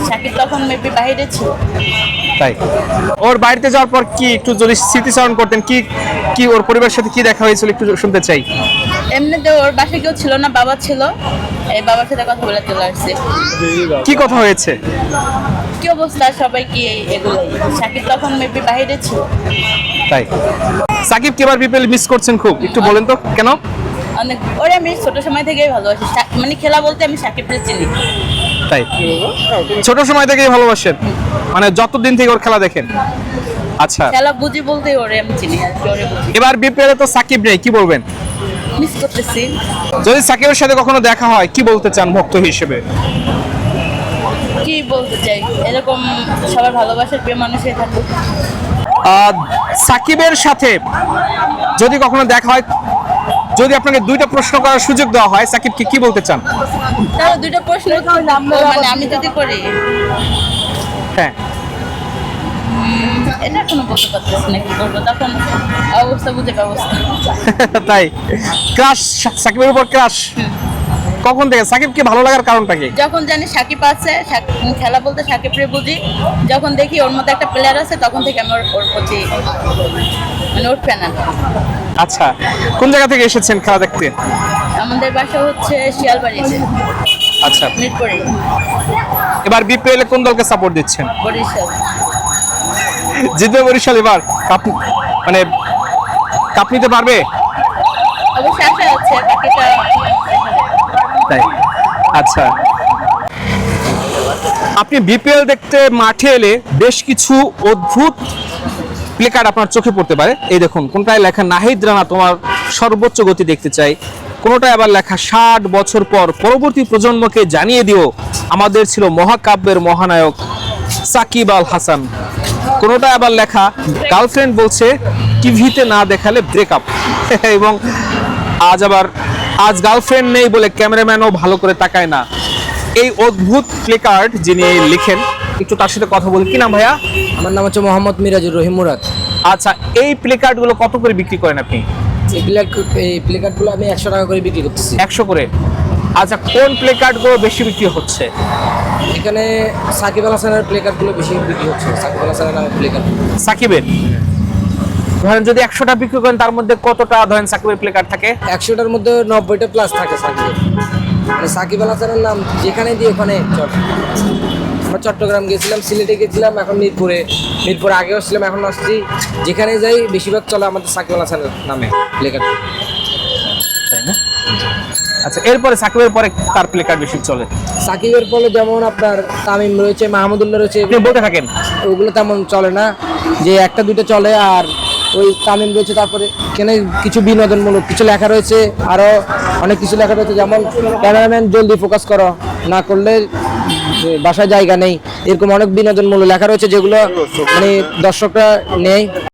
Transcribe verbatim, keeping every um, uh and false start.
সাকিব তখন মেবি বাইরে ছিল। তাই ওর বাড়িতে যাওয়ার পর কি একটু যদি স্মৃতিচারণ করতেন, কি কি ওর পরিবারের সাথে কি দেখা হয়েছিল একটু শুনতে চাই। এমনিতে ওর বাসায় কেউ ছিল না, বাবা ছিল, এই বাবার সাথে কথা বলে চলে আসছে। কি কথা হয়েছে? কি অবস্থা সবাই কি এগুলোই। সাকিব তখন মেবি বাইরে ছিল। তাই সাকিব কি এবার বিপিএল মিস করছেন খুব, একটু বলেন তো কেন? অনেক, ওরে আমি ছোট সময় থেকেই ভালোবাসি, সা- মানে খেলা বলতে আমি সাকিবকে চিনি। তাই ছোট সময় থেকেই ভালোবাসেন, মানে যতদিন থেকে ওর খেলা দেখেন। আচ্ছা, খেলা বুঝি বলতে ওরে আমি চিনি আর কি, ওরে বুঝি। এবার বিপিএল এ তো সাকিব নেই, কি বলবেন? মিস করতেছি। যদি সাকিবের সাথে কখনো দেখা হয় কি বলতে চান ভক্ত হিসেবে? কি বলতে চাই, এরকম সবার ভালোবাসার প্রিয় মানুষই থাকুক। আহ, সাকিবের সাথে যদি কখনো দেখা হয়, যদি আপনাকে দুইটা প্রশ্ন করার সুযোগ দেওয়া হয়, সাকিবকে কি বলতে চান? তাহলে দুইটা প্রশ্ন মানে আমি যদি করি, হ্যাঁ, এটা এখনো বলতে পারতেছি না কি করবো, তখন অবস্থা বুঝে ব্যবস্থা। তাই ক্রাশ, সাকিবের উপর ক্রাশ কখন থেকে? সাকিবকে ভালো লাগার কারণটা কি? যখন জানি সাকিব আছে, সাক- খেলা বলতে সাকিবরে বুঝি, যখন দেখি ওর মধ্যে একটা প্লেয়ার আছে তখন থেকে আমি ওর ওর প্রতি মানে ওর ফ্যান। আচ্ছা, কোন জায়গা থেকে এসেছেন খেলা দেখতে? আমাদের বাসা হচ্ছে শিয়ালবাড়িতে, আচ্ছা, মিরপুরে, এবার বিপিএল এ কোন দলকে সাপোর্ট দিচ্ছেন? বরিশাল। জিতবে বরিশাল এবার কাপ, মানে কাপ নিতে পারবে? অবশ্য আশা আছে, বাকিটা তাই আচ্ছা, আপনি বিপিএল দেখতে মাঠে এলে বেশ কিছু অদ্ভুত প্লেকার্ড আপনার চোখে পড়তে পারে। এই দেখুন, কোনটায় লেখা নাহিদ রানা তোমার সর্বোচ্চ গতি দেখতে চাই, কোনটায় আবার লেখা ষাট বছর পর পরবর্তী প্রজন্মকে জানিয়ে দিও আমাদের ছিল মহাকাব্যের মহানায়ক সাকিব আল হাসান, কোনটায় আবার লেখা গার্লফ্রেন্ড বলছে টিভিতে না দেখালে ব্রেকআপ এবং আজ আবার আজ গার্লফ্রেন্ড নেই বলে ক্যামেরাম্যানও ভালো করে তাকায় না। এই অদ্ভুত প্লেকার্ড যিনি লিখেন, একটু তার সাথে কথা বলি। কি নাম ভাইয়া? আমার নাম হচ্ছে মোহাম্মদ মিরাজুর রহিম মুরাদ। আচ্ছা, এই প্লেকার্ড গুলো কত করে বিক্রি করেন আপনি? এই প্লেকার্ড এই প্লেকার্ডগুলো আমি একশো টাকা করে বিক্রি করতেছি। একশো করে। আচ্ছা, কোন প্লেকার্ড গুলো বেশি বিক্রি হচ্ছে? এখানে সাকিব আল হাসানের প্লেকার্ডগুলো বেশি বিক্রি হচ্ছে, সাকিব আল হাসানের নামে প্লেকার্ড। সাকিবের ধরেন যদি একশোটা বিক্রি করেন তার মধ্যে কতটা ধরেন সাকিবের প্লেকার্ড থাকে? একশোটার মধ্যে নব্বইটা প্লাস থাকে সাকিবের, মানে সাকিব আল হাসানের নাম যেখানে দিয়ে ওখানে চট। আমরা চট্টগ্রাম গেছিলাম, সিলেটে গেছিলাম, এখন মিরপুরে, মিরপুরে আগেও ছিলাম, এখন আসছি, যেখানে যাই বেশিরভাগ চলে আমাদের সাকিব আল হাসানের নামে প্লেকার্ড। তাই না? আচ্ছা, এরপরে সাকিবের পরে কার প্লেকার্ড বেশি চলে? সাকিবের পরে যেমন আপনার তামিম রয়েছে, মাহমুদুল্লাহ রয়েছে, আপনি বলতে থাকেন। ওগুলো তেমন চলে না, যে একটা দুটো চলে। আর ওই তামিম রয়েছে, তারপরে এখানে কিছু বিনোদনমূলক কিছু লেখা রয়েছে, আরও অনেক কিছু লেখা রয়েছে, যেমন ক্যামেরাম্যান জলদি ফোকাস করো, না করলে বাসায় জায়গা নেই, এরকম অনেক বিনোদনমূলক লেখা রয়েছে যেগুলো মানে দর্শকরা নেই।